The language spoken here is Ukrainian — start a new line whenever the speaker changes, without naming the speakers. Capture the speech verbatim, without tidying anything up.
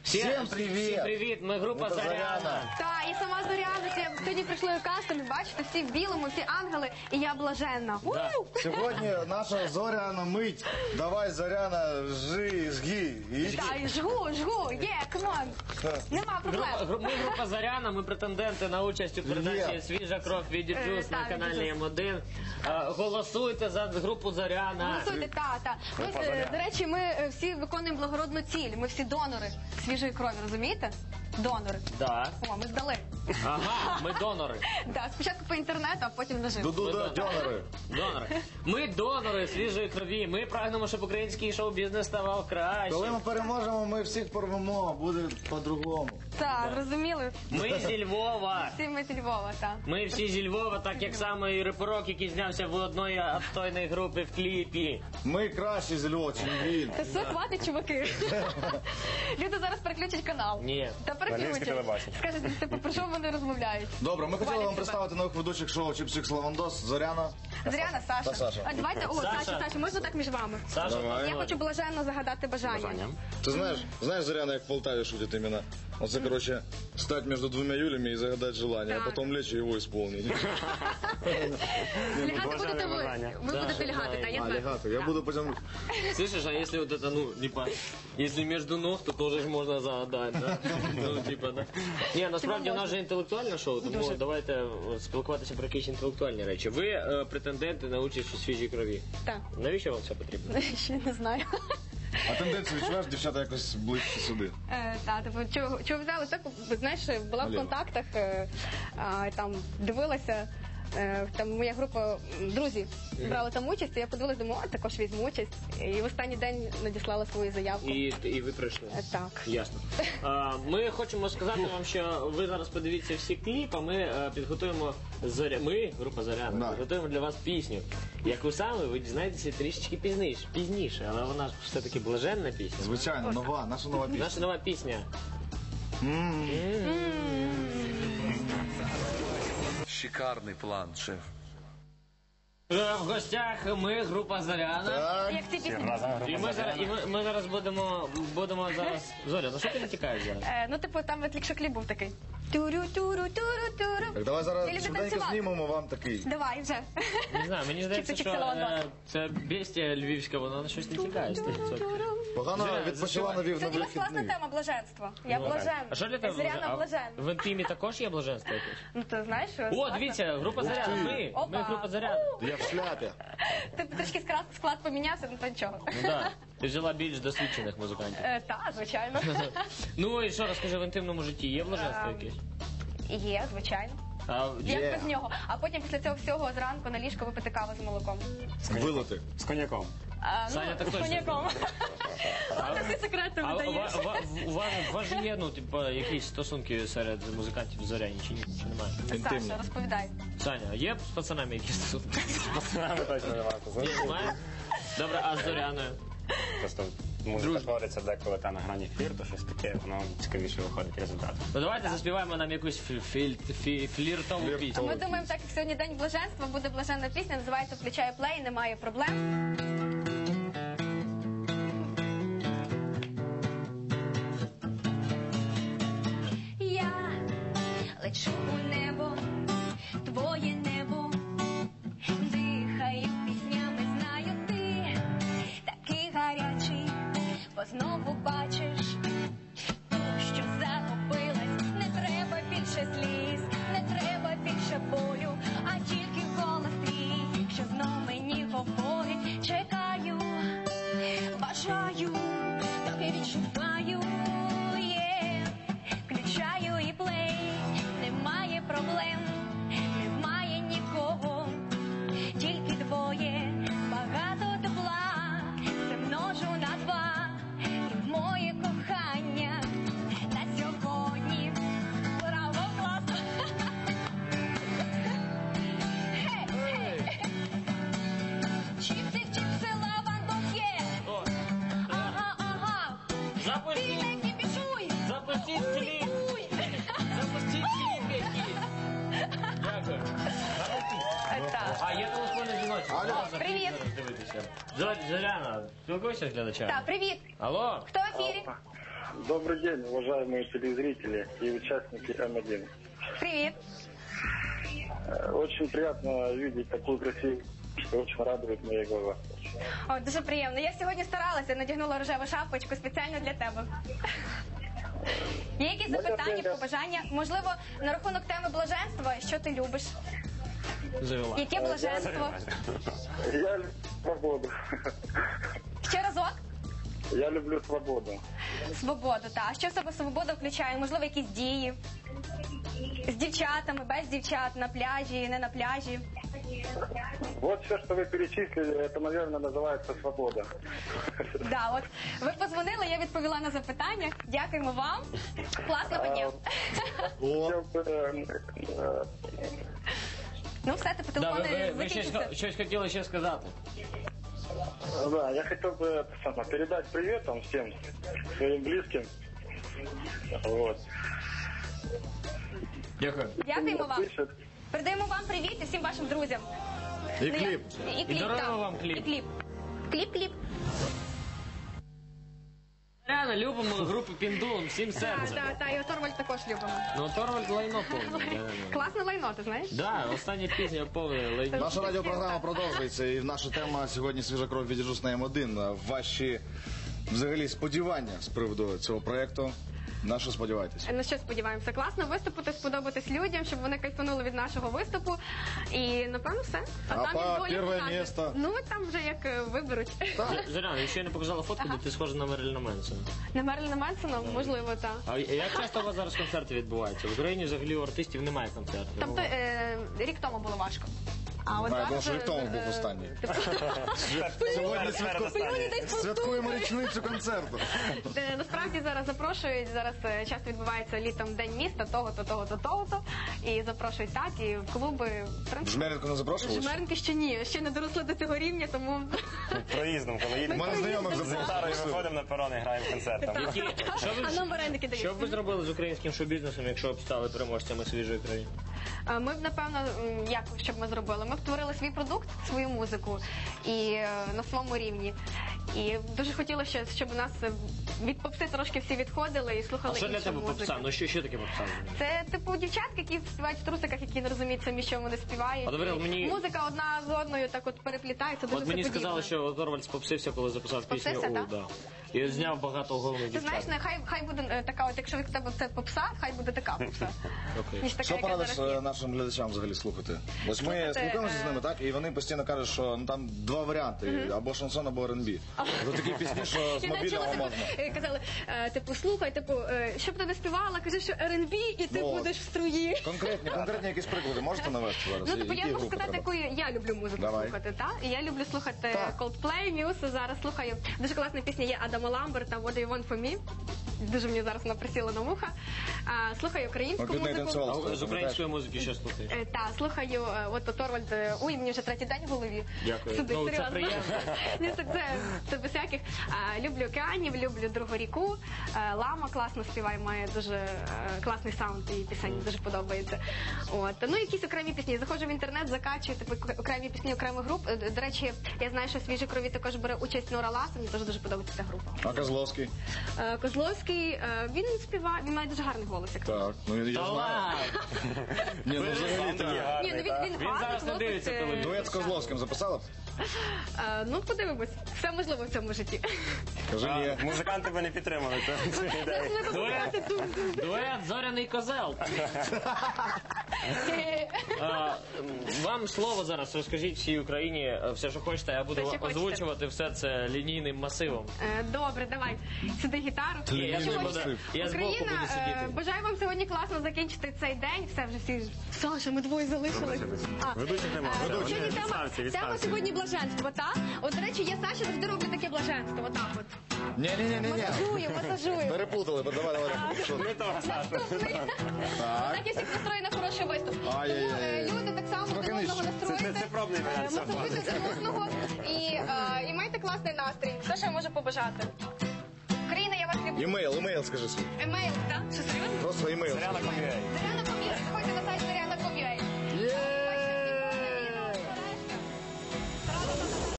Всем привет!
Всім привіт! Ми група
Група
Зоряна.
Зоряна.
Так, і сама Зоряна. Це сьогодні прийшли у кастинг, бачите, всі в білому, всі ангели, і я блаженна.
Да.
У!
Сьогодні наша Зоряна мить. Давай, Зоряна, жи, жги. І...
Та, і жгу, жгу, є, камон. Нема
Група,
проблем.
гру- ми група Зоряна, ми претенденти на участь у передачі
Є.
«Свіжа кров» від Діджус
Е,
на
так,
каналі
«Діджус».
М один. Е, Голосуйте за групу Зоряна.
Голосуйте, та, та. Ми,
Група
е,
Зоряна.
до речі, ми е, всі виконуємо благородну ціль. Ми всі донори свіжої крові, розумієте? Донори.
Да.
О, ми здали.
Ага, ми донори.
Да, спочатку по інтернету, а потім наживо.
Ду-ду-ду, дьонери.
Донори. Ми донори свіжої крові. Ми прагнемо, щоб український шоу-бізнес ставав краще.
Коли ми переможемо, ми всіх порвемо, буде по-другому.
Так, зрозуміли?
Ми зі Львова.
Всі ми зі Львова, так.
Ми всі зі Львова, так як саме і Репорок, який знявся в одної отстойної групи в кліпі.
Ми кращі з Львова, чим він.
Та все, хватить, чуваки. Люди зараз переключать канал.
Ні.
Та переключать. Скажете, типу, про що вони розмовляють?
Добре, ми хотіли вам
Хвалять
представити нових ведучих шоу Чіпсик Лавандос, Зоряна.
Зоряна, Саша.
Та Саша.
А давайте, о,
Саша.
Саша, Саша, можна так між вами?
Саша,
Давай.
Я хочу блаженно загадати бажання.
Бажання.
Ти знаєш, знаєш, Зоряна, як в Полтаві шутить іменно? Оце, короче, стать между двумя Юлями и загадать желание, а
Так.
потом лечь и его исполнить.
Лягати будете ви. Ви
Да,
будете лягати,
да,
так, я
А,
знаю.
лягати. Я буду потім...
Слышишь, а если вот это, ну, типа, если между ног, то тоже ж можна загадати, да? Ну, типа, да. Ні, насправді у нас же інтелектуальне шоу, тому
Дуже.
давайте е, спілкуватися про якісь інтелектуальні речі. Ви е, претенденти на участь у свіжій крові.
Так.
Навіщо вам це потрібно?
Ще не знаю.
А тенденцію відчуваєш, дівчата якось ближче сюди?
Е, Та, типу, чого, чого взяли? Так, знаєш, була в
Наліво.
контактах, е, а, там дивилася, е, там моя група м, друзі брали там участь, і я подивилася, думаю, а також візьму участь. І в останній день надіслала свою заявку.
І, і ви прийшли.
Е, Так.
Ясно. А, ми хочемо сказати вам, що ви зараз подивіться всі кліп, а ми е, підготуємо зоря. Ми, група Зоряна,
Да.
підготуємо для вас пісню. Яку саме ви дізнаєтеся трішечки пізніше, пізніше, але вона ж все-таки блаженна пісня.
Звичайно, нова, наша нова пісня.
Наша нова пісня.
Шикарний план, шеф.
Е, В гостях ми, група Зоряна.
Так.
Як ці пісні?
І ми зараз, і ми, ми зараз будемо, будемо зараз. Зоря, за що ти не тікаєш зараз?
Е, ну, типу, там от якщо кліп був такий. Турю, туру, туру, туру.
Так, давай
Я
зараз
люблю
швиденько
танцювати.
знімемо вам такий.
Давай вже.
Не знаю, мені здається,
Чик-чик,
що
Лавандос.
е, це бестія львівська, вона на щось не тікає. сто відсотків.
Погано
Зоря,
відпочила на вів на
Сьогодні у вас класна
вихідний.
тема блаженство. Я
Ну,
блаженна.
А що для тебе
Зоряна
блажен- а
блаженна.
в інтимі також є блаженство якесь?
Ну, ти знаєш, що
О,
класно.
дивіться, група Зоряна,
ти.
ми,
Опа.
ми група Зоряна.
Я в шляпі.
Ти трішки склад, склад помінявся, ну то нічого.
Ну да, ти взяла більш досвідчених музикантів.
Е, Так, звичайно.
Ну і що, розкажи, в інтимному житті є блаженство
Ем,
якесь?
Є, звичайно.
А,
Як
Є.
без нього. А потім після цього всього зранку на ліжко випити каву з молоком.
Вилити.
З коньяком.
А,
Саня так
з
точно
коньяком. Ладно, ти секрети
а у,
видаєш.
ва- ва- у вас, у вас же є, ну, типу, якісь стосунки серед музикантів Зоряні, чи ні? Чи немає?
Інтимні.
Саша, розповідай.
Саня, є з пацанами якісь стосунки?
Пацанами точно не варто.
Ні, немає? Добре, а з Зоряною?
Просто музика твориться деколи та на грані ефір, то щось таке, воно цікавіше виходить результат.
Ну давайте заспіваємо нам якусь фі- філь- фі- фліртову
Фліртову.
пісню.
Ми думаємо, так як сьогодні день блаженства, буде блаженна пісня, називається «Включає плей, немає проблем». Я лечу у небо, твоє небо, дихаю піснями, знаю ти такий гарячий, бо знову бачиш ту, що загубилась. Не треба більше сліз, не треба більше болю, а тільки голос твій, що знов мені говорить. Чекаю, бажаю, тобі відчуваю, є, включаю і плей, немає проблем, немає нікого, тільки двоє, багато тепла, це множу на два, і моє кохання на сьогодні. Браво, класно! Гей, гей! Чіпси, чіпси, лавандос є!
О,
Ага, ага! Ти
запустіть,
не кіпішуй!
запустіть кліп,
Уй!
запустіть кліп якийсь. Дякую.
Так.
А є телефонний дзвіночок.
Алло.
Можна
Привіт.
зараз дивитися. Зор- Зоряна, спілкуйся з глядачами.
Так, привіт!
Алло?
Хто в ефірі?
Добрый день, уважаемые телезрители и участники М один.
Привіт.
Э, Очень приятно видеть такую красивую, что очень радует мои глаза.
О, дуже приємно. Я сьогодні старалася, надягнула рожеву шапочку спеціально для тебе. Є якісь запитання, побажання? Можливо, на рахунок теми блаженства, що ти любиш?
Завела.
Яке блаженство?
Я люблю свободу.
Ще разок?
Я люблю свободу.
Свободу, так. А що в себе свобода включає? Можливо, якісь дії? З дівчатами, без дівчат, на пляжі, не на пляжі?
Вот все, что вы перечислили, это, наверное, называется свобода.
Да, от ви позвонили, я відповіла на запитання. Дякуємо вам. Класного дня.
Хотел бы, э, э,
Ну, все, ти по
Да, ви,
телефону
ви, ви щось,
закінчився.
щось хотіли ще сказати.
Да, я хотел бы это самое, передать привет там всем своим близким. Вот.
Дякую.
Дякуємо вам.
Слышат.
Передаємо вам привіт і всім вашим друзям.
И
Ну, я-
клип.
І кліп,
даруємо
так.
вам кліп.
І кліп. Кліп, кліп.
Реально, любимо групу Піндулом всім
Так,
серцем.
так, так, і Торвальд також любимо.
Ну, Торвальд лайно повне.
Класне лайно, ти знаєш?
Да, остання пісня повне лайно.
Наша радіопрограма продовжується, і наша тема сьогодні «Свіжа кров» від «Жус» на М один. Ваші, взагалі, сподівання з приводу цього проєкту. На що сподіваєтесь?
Ну що, сподіваємося, класно виступити, сподобатись людям, щоб вони кайфанули від нашого виступу. І, напевно, все.
А
там
по
і доля
перше
покаже.
місце?
Ну, там вже як е, виберуть.
Зоряна, ще не показала фотку, де ти схожа на Мерліна Менсона.
На Мерліна Менсона, можливо, так.
А як часто у вас зараз концерти відбуваються? В Україні взагалі у артистів немає концертів.
Тобто, е, рік тому було важко. А от
А,
зараз...
тому що рік тому був
е,
останній.
Сьогодні
Мені десь
Святкуємо річницю концерту.
Е, Насправді зараз запрошують, зараз е, часто відбувається літом День міста, того-то, того-то, того-то. І запрошують так, і в клуби. В принципі,
Жмеренко не запрошували?
Жмеренки ще ні, ще не доросли до цього рівня, тому...
Проїздом, коли
У
їдемо
мене знайомих
з гітарою,
запрошували.
виходимо на перон і граємо концерт. там.
Які- Що
А
ви,
нам вареники
що б ви
дають.
зробили з українським шоу-бізнесом, якщо б стали переможцями свіжої країни?
Е, Ми б, напевно, м, як щоб ми зробили? Ми б створили свій продукт, свою музику і е, на своєму рівні. І дуже хотілося, щоб у нас е, від попси трошки всі відходили і слухали
А що для
іншу
тебе
музику.
попса? Ну що, що таке попса?
Це типу дівчатки, які співають в трусиках, які не розуміють самі, що вони співають.
А, добре,
І
мені-
Музика одна з одною так от переплітається, дуже
От мені
все подібне.
сказали, що Торвальд спопсився, коли записав пісню
Спопсився,
«У»,
так?
да. І зняв багато головних
Ти знаєш,
дівчат.
нехай хай буде е, така, от якщо в тебе це попса, хай буде така попса.
Окей.
Ніж така,
Що
яка
порадиш
зараз є.
е, нашим глядачам взагалі слухати? Ось ми
Слухати,
спілкуємося
е,
з ними, так? І вони постійно кажуть, що ну, там два варіанти. Або шансон, або Р Ен Бі. Це такі пісні, що з
Я навіть
мобільного
чула,
можна.
типу, е, казали, е, типу, слухай, типу, е, щоб ти не співала, кажи, що Р Ен Бі, і ти
Ну,
будеш в струї.
Конкретні, конкретні якісь приклади можете навести зараз?
Ну, типу, я
Які
можу
групи
сказати,
треба?
яку я люблю музику
Давай.
слухати, так? І я люблю слухати
Так.
Coldplay, Muse, зараз слухаю. Дуже класна пісня є Адама Ламберта, What Do You Want From Me. Дуже мені зараз вона присіла на вуха. А, слухаю українську
Ми під неї
музику.
танцювали.
А з української музики що слухаєш?
Е, Та, слухаю, е, от Торвальд, е, ой, мені вже третій день в голові.
Дякую.
Сюди,
Ну, це
серйозно.
приємно.
Ні, так це, це без всяких. А, люблю океанів, люблю Другу ріку. Е, Лама класно співає, має дуже е, класний саунд і пісень дуже подобається. От. Ну, якісь окремі пісні. Заходжу в інтернет, закачую типу, окремі пісні окремих груп. Е, До речі, я знаю, що в «Свіжій крові» також бере участь Нора Ласа, мені теж дуже подобається ця група.
А Козловський?
Е, Козловський, е, він співає, він має дуже гарний голос. як
Так, ну я
Та
знаю.
ладно!
Ні, ну взагалі
Такий
так.
гарний,
Ні, ну він,
так.
він,
Він
гарний
зараз не
хлопець,
дивиться
е,
телевізор.
Дует з Козловським записала б?
Е, Ну, подивимось. Все можливо в цьому житті.
Кажи ні.
А, Музиканти би не підтримали цю- цю ідею.
Дует, дует «Зоряний козел». А, Вам слово зараз, розкажіть всій Україні е, все, що хочете, я буду
Все, що хочете.
озвучувати все це лінійним масивом.
Е, Добре, давай. Сюди гітару.
Ні, я
Лінійний
не буду.
масив.
Я збоку
Україна,
буду
е,
сидіти.
бажаю вам сьогодні класно закінчити цей день. Все, вже всі. Саша, ми двоє залишились. А,
Ведучих нема.
е,
Ведучих.
Сьогодні тема,
Відставці,
тема
відставці.
сьогодні блаженство, так? От, до речі, я Саші завжди роблю таке блаженство, отак от.
Ні, ні, ні, ні, ні.
Масажую, масажую.
Переплутали, бо давай, давай. Що?
Не того, Саша.
Наступний. Так я всіх настрою на хороший виступ. Тому
Ай-яй-яй.
е, люди так само
Трохи
один одного
нижче.
настроїте.
Це- це пробний варіант,
Е, Масажуйте один одного і, е, і майте класний настрій. Що ще я можу побажати? Україна, я вас люблю.
Імейл, імейл скажи свій.
Емейл, так? Що серйозно?
Просто імейл.
Зоряна Ком'юей.
Зоряна